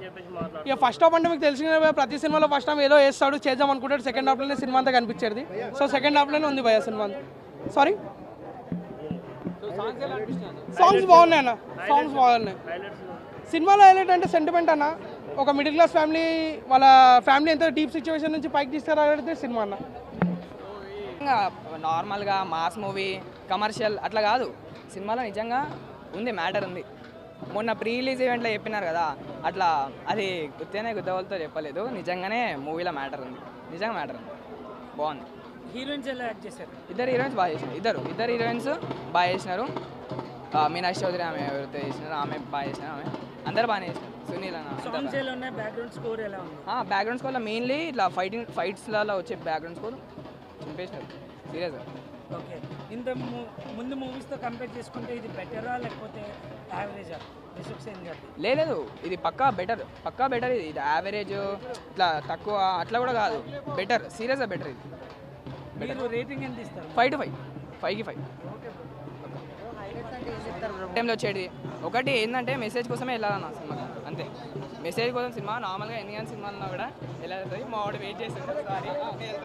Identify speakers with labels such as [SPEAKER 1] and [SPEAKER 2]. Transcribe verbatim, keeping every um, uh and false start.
[SPEAKER 1] ఇక first half అంటే మీకు తెలిసిన ప్రతి సినిమాలో ఫస్ట్ హాఫ్ ఏదో వేస్తాడు చేద్దాం అనుకుంటాడు, సెకండ్ హాఫ్లోనే సినిమా అంతా కనిపించేది. సో సెకండ్ హాఫ్లోనే ఉంది భయ సినిమా. సారీ సాంగ్స్ బాగున్నాయి అన్న, సాంగ్స్ బాగున్నాయి. సినిమాలో హైలైట్ అంటే సెంటిమెంట్ అన్న, ఒక మిడిల్ క్లాస్ ఫ్యామిలీ వాళ్ళ ఫ్యామిలీ ఎంత డీప్ సిచ్యువేషన్ నుంచి పైకి తీసుకురాగలిగితే సినిమా అన్న.
[SPEAKER 2] నార్మల్గా మాస్ మూవీ కమర్షియల్ అట్లా కాదు, సినిమాలో నిజంగా ఉంది, మ్యాటర్ ఉంది. మొన్న ప్రీ రిలీజ్ ఈవెంట్లో చెప్పినారు కదా, అట్లా అది గుర్తేనే గుద్దవలతో చెప్పలేదు, నిజంగానే మూవీలో మ్యాటర్ ఉంది, నిజంగా మ్యాటర్ ఉంది, బాగుంది.
[SPEAKER 3] హీరోయిన్స్ ఎలా యాక్ట్ చేశారు?
[SPEAKER 2] ఇద్దరు హీరోయిన్స్ బాగా చేసినారు, ఇద్దరు ఇద్దరు హీరోయిన్స్ బాగా చేసినారు. మీనాక్షి చౌదరి ఆమె ఎవరితో చేసినారు, ఆమె బాగా చేసినారు, ఆమె అందరు బాగానే చేసినారు. సునీల్
[SPEAKER 3] సాంగ్స్ ఎలా ఉన్నాయి? బ్యాక్గ్రౌండ్ స్కోర్ ఎలా ఉంది?
[SPEAKER 2] బ్యాక్గ్రౌండ్ స్కోర్లో మెయిన్లీ ఇట్లా ఫైటింగ్ ఫైట్స్లలో వచ్చే బ్యాక్గ్రౌండ్ స్కోర్ చింపేసినారు సీరియస్గా.
[SPEAKER 3] ఓకే, ఇంత ముందు మూవీస్తో కంపేర్ చేసుకుంటే ఇది బెటరా లేకపోతే యావరేజా?
[SPEAKER 2] లేదు, ఇది పక్కా బెటర్, పక్కా బెటర్. ఇది ఇది యావరేజ్ ఇట్లా తక్కువ అట్లా కూడా కాదు, బెటర్, సీరియస్గా బెటర్. ఇది
[SPEAKER 3] మీరు రేటింగ్ ఎంత ఇస్తారు?
[SPEAKER 2] ఫైవ్ టు ఫైవ్ ఫైవ్కి ఫైవ్ టైంలో వచ్చేది. ఒకటి ఏంటంటే మెసేజ్ కోసమే వెళ్ళాలన్న సినిమా, అంతే. మెసేజ్ కోసం సినిమా నార్మల్గా ఎన్ని కానీ సినిమాలు ఉన్నా కూడా వెళ్ళాలి. మా వాడు వెయిట్ చేస్తుంది. సారీ.